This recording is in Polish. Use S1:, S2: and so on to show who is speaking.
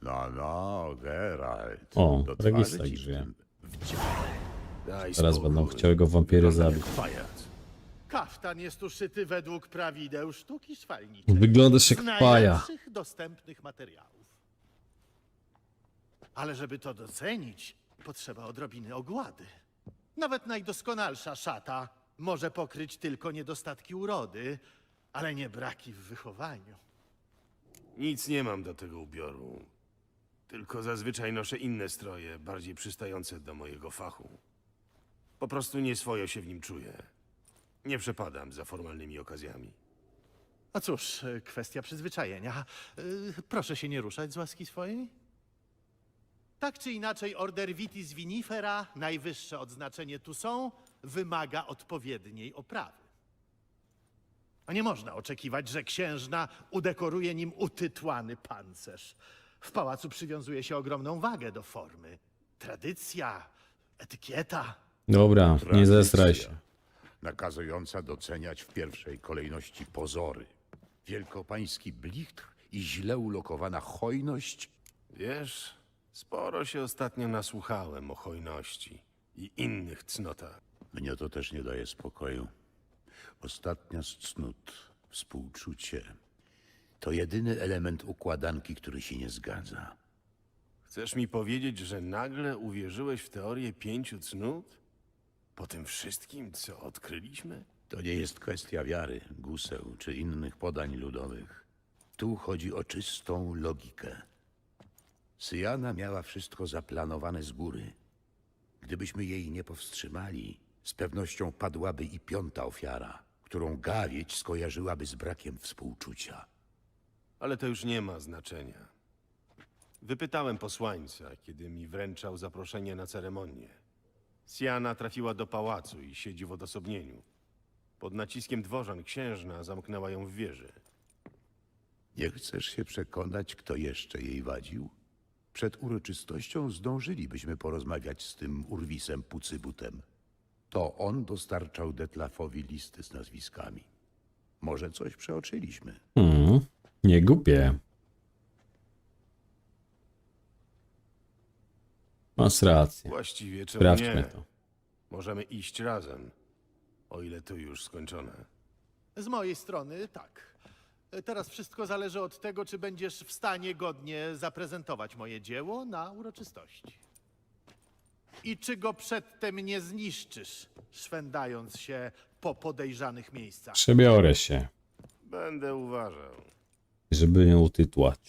S1: No, Geralt.
S2: O,
S1: Do twarzy
S2: Registra
S1: ci
S2: żyje.
S3: Daj
S2: Teraz
S3: spokój.
S2: będą chciały go wampiry
S3: Wygląda
S2: zabić.
S3: jak pajac.
S4: Kaftan jest uszyty według prawideł sztuki szwalniczej.
S2: Wyglądasz jak
S4: Z
S2: paja.
S4: najlepszych dostępnych materiałów. Ale żeby to docenić, potrzeba odrobiny ogłady. Nawet najdoskonalsza szata może pokryć tylko niedostatki urody, ale nie braki w wychowaniu.
S3: Nic nie mam do tego ubioru. Tylko zazwyczaj noszę inne stroje, bardziej przystające do mojego fachu. Po prostu nieswojo się w nim czuję. Nie przepadam za formalnymi okazjami.
S4: A cóż, kwestia przyzwyczajenia. Proszę się nie ruszać z łaski swojej. Tak czy inaczej, order Vitis Vinifera, najwyższe odznaczenie tu są, wymaga odpowiedniej oprawy. A nie można oczekiwać, że księżna udekoruje nim utytłany pancerz. W pałacu przywiązuje się ogromną wagę do formy. Tradycja, etykieta.
S2: Dobra, nie zestraj
S1: Tradycja,
S2: się.
S1: nakazująca doceniać w pierwszej kolejności pozory. Wielkopański blichtr i źle ulokowana hojność.
S3: Wiesz, sporo się ostatnio nasłuchałem o hojności i innych cnotach.
S1: Mnie to też nie daje spokoju. Ostatnia z cnót, współczucie, to jedyny element układanki, który się nie zgadza.
S3: Chcesz mi powiedzieć, że nagle uwierzyłeś w teorię 5 cnót? Po tym wszystkim, co odkryliśmy?
S1: To nie jest kwestia wiary, guseł czy innych podań ludowych. Tu chodzi o czystą logikę. Syjana miała wszystko zaplanowane z góry. Gdybyśmy jej nie powstrzymali, z pewnością padłaby i piąta ofiara, którą gawieć skojarzyłaby z brakiem współczucia.
S3: Ale to już nie ma znaczenia. Wypytałem posłańca, kiedy mi wręczał zaproszenie na ceremonię. Siana trafiła do pałacu i siedzi w odosobnieniu. Pod naciskiem dworzan księżna zamknęła ją w wieży.
S1: Nie chcesz się przekonać, kto jeszcze jej wadził? Przed uroczystością zdążylibyśmy porozmawiać z tym urwisem Pucybutem. To on dostarczał Detlafowi listy z nazwiskami. Może coś przeoczyliśmy.
S2: Nie głupie. Masz rację.
S3: Właściwie czemu
S2: Sprawdźmy
S3: nie?
S2: to.
S3: Możemy iść razem, o ile to już skończone.
S4: Z mojej strony tak. Teraz wszystko zależy od tego, czy będziesz w stanie godnie zaprezentować moje dzieło na uroczystości. I czy go przedtem nie zniszczysz, szwendając się po podejrzanych miejscach.
S2: Przebiorę się,
S3: Będę uważał.
S2: żeby ją utytłać.